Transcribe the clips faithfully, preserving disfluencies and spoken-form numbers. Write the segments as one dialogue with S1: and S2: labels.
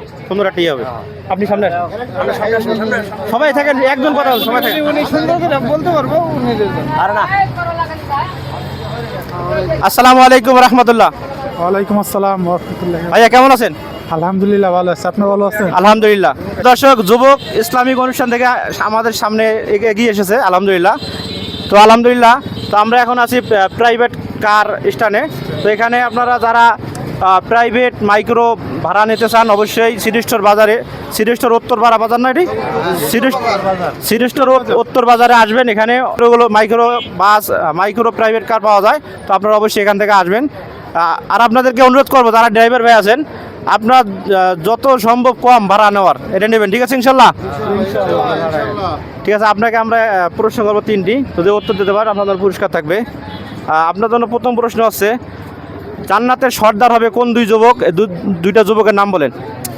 S1: পনেরোটাই হবে। আপনি সামনে আসেন। সবাই থাকেন, একজন কথা বলুন, সবাই থাকেন।
S2: উনি সুন্দর করে বলতে পারবো উনি
S1: আর না। আসসালামু আলাইকুম রহমতুল্লাহ।
S2: ওয়ালাইকুম আসসালাম ওয়া
S1: ভাইয়া কেমন আছেন?
S2: আলহামদুলিল্লাহ ভালো আছে, আপনি ভালো আছেন?
S1: আলহামদুলিল্লাহ। দর্শক, যুবক ইসলামিক অনুষ্ঠান থেকে আমাদের সামনে এগিয়ে এসেছে আলহামদুলিল্লাহ। তো আলহামদুলিল্লাহ, তো আমরা এখন আছি প্রাইভেট কার স্ট্যান্ডে। তো এখানে আপনারা যারা প্রাইভেট মাইক্রো ভাড়া নিতে চান অবশ্যই সিটি স্টোর বাজারে, সিটি স্টোর উত্তর পাড়া বাজার না এটি, সিটি স্টোর উত্তর বাজারে আসবেন। এখানে ওগুলো micro bus, micro private car পাওয়া যায়। তো আপনারা অবশ্যই এখান থেকে আসবেন। আর আপনাদেরকে অনুরোধ করবো যারা ড্রাইভার ভাই আছেন, আপনার যত সম্ভব কম ভাড়া নেওয়ার এটা নেবেন, ঠিক আছে ইনশাল্লাহ? ঠিক আছে, আপনাকে আমরা প্রশ্ন করবো তিনটি, যদি উত্তর দিতে পারেন আপনাদের পুরস্কার থাকবে। আপনার জন্য প্রথম প্রশ্ন হচ্ছে, জান্নাতের সর্দার হবে কোন দুই যুবক? দুইটা যুবকের নাম বলেন।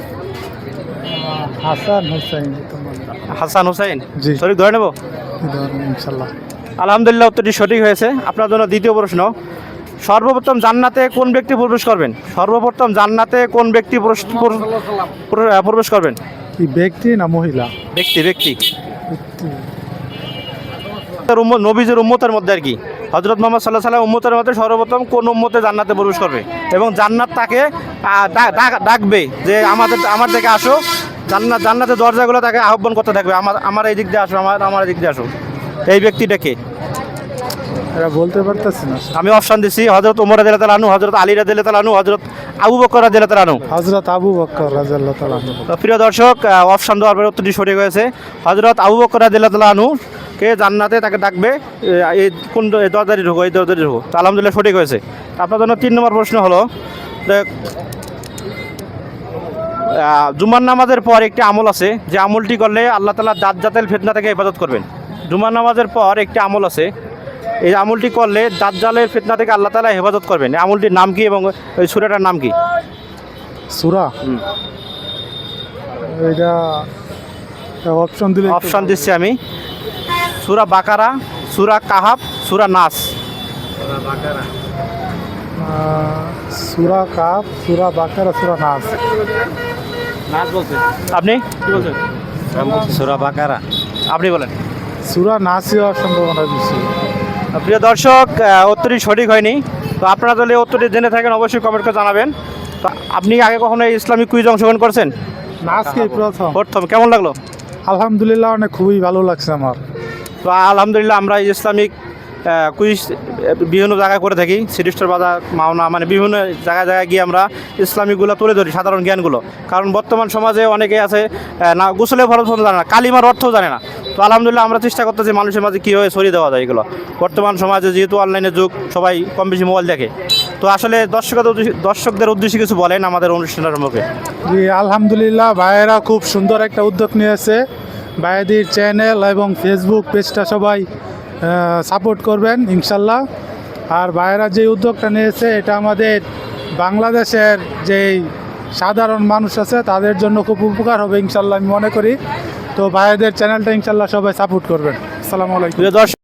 S2: হাসান হোসেন।
S1: হাসান হোসেন,
S2: জি।
S1: সঠিক ধরে নেব
S2: ইনশাল্লাহ।
S1: আলহামদুলিল্লাহ, উত্তরটি সঠিক হয়েছে। আপনার জন্য দ্বিতীয় প্রশ্ন, সর্বপ্রথম জান্নাতে কোন ব্যক্তি প্রবেশ করবেন? সর্বপ্রথম জান্নাতে কোন ব্যক্তি প্রবেশ করবেন?
S2: কি ব্যক্তি না মহিলা?
S1: ব্যক্তি, ব্যক্তি। নবীজির উম্মতের মধ্যে আর কি, হযরত মুহাম্মদ সাল্লাল্লাহু আলাইহি ওয়াসাল্লাম উম্মতের মধ্যে সর্বপ্রথম কোন উম্মতে জান্নাতে প্রবেশ করবে এবং জান্নাত তাকে ডাকবে যে আমাদের আমার দিকে আসো। জান্নাত জান্নাতের দরজাগুলো তাকে আহ্বান করতে থাকবে, আমার আমার এই দিক দিয়ে আসো, আমার আমার এই দিক দিয়ে আসো। এই ব্যক্তিটাকে
S2: এরা বলতে পারতেছি না।
S1: আমি অপশন দিচ্ছি, হযরত ওমর রাদিয়াল্লাহু তাআলা আনহু, হযরত আলী রাদিয়াল্লাহু তাআলা আনহু, হযরত আবু বকর রাদিয়াল্লাহু তাআলা আনহু।
S2: হযরত আবু বকর রাদিয়াল্লাহু তাআলা আনহু।
S1: তো প্রিয় দর্শক, অপশন দেওয়ার পরে উত্তরটি সঠিক হয়েছে। হযরত আবু বকর রাদিয়াল্লাহু তাআলা আনহু কে জান্নাতে তাকে ডাকবে, এই কোন দরজাটি ঢোকো, এই দরজাটি ঢোকো। তো আলহামদুলিল্লাহ সঠিক হয়েছে। আপনার জন্য তিন নম্বর প্রশ্ন হলো, জুমার নামাজের পর একটি আমল আছে যে আমলটি করলে আল্লাহ তাআলা দাজ্জাল ফিতনা থেকে হেফাজত করবেন। জুমার নামাজের পর একটি আমল আছে, এই আমলটি করলে দাজ্জালের ফিতনা থেকে আল্লাহ তাআলা হেফাজত করবেন। এই আমলটির নাম কি এবং ওই সূরাটার নাম কি?
S2: সূরা, এটা অপশন দিলে।
S1: অপশন দিচ্ছি আমি, সূরা বাকারা, সূরা কাহাফ, সূরা নাস।
S2: সূরা কাহাফ, সূরা বাকারা, সূরা নাস।
S1: নাস বলছেন আপনি? কি বলছেন?
S3: সূরা বাকারা।
S1: আপনি বলেন।
S2: সূরা নাসই হওয়ার সম্ভাবনা বেশি।
S1: প্রিয় দর্শক, উত্তরটি সঠিক হয়নি। তো আপনারা যদি উত্তরটি জেনে থাকেন অবশ্যই কমেন্ট করে জানাবেন। তো আপনি আগে কখনো এই ইসলামিক কুইজ অংশগ্রহণ করছেন?
S2: নাসকে প্রথম।
S1: প্রথম। কেমন লাগলো?
S2: আলহামদুলিল্লাহ, অনেক খুবই ভালো লাগছে আমার।
S1: তো আলহামদুলিল্লাহ, আমরা ইসলামিক কুইজ বিভিন্ন জায়গায় করে থাকি, সিটি স্টোর বাজার, মাওনা, মানে বিভিন্ন জায়গায় জায়গায় গিয়ে আমরা ইসলামিকগুলো তুলে ধরি, সাধারণ জ্ঞানগুলো। কারণ বর্তমান সমাজে অনেকে আছে না গোসলের ফরজ জানে না, কালিমার অর্থও জানে না। তো আলহামদুলিল্লাহ আমরা চেষ্টা করতেছি মানুষের মাঝে কীভাবে ছড়িয়ে দেওয়া যায় এগুলো। বর্তমান সমাজে যেহেতু অনলাইনের যুগ, সবাই কম বেশি মোবাইল দেখে। তো আসলে দর্শকদের দর্শকদের উদ্দেশ্যে কিছু বলেন আমাদের অনুষ্ঠানের সম্পর্কে।
S2: জি আলহামদুলিল্লাহ, ভাইয়েরা খুব সুন্দর একটা উদ্যোগ নিয়েছে। ভাইয়াদের চ্যানেল এবং ফেসবুক পেজটা সবাই সাপোর্ট করবেন ইনশাল্লাহ। আর ভাইয়েরা যে উদ্যোগটা নিয়েছে এটা আমাদের বাংলাদেশের যেই সাধারণ মানুষ আছে তাদের জন্য খুব উপকার হবে ইনশাল্লাহ আমি মনে করি। তো ভাইয়াদের চ্যানেলটা ইনশাল্লাহ সবাই সাপোর্ট করবেন। আসসালামু আলাইকুম।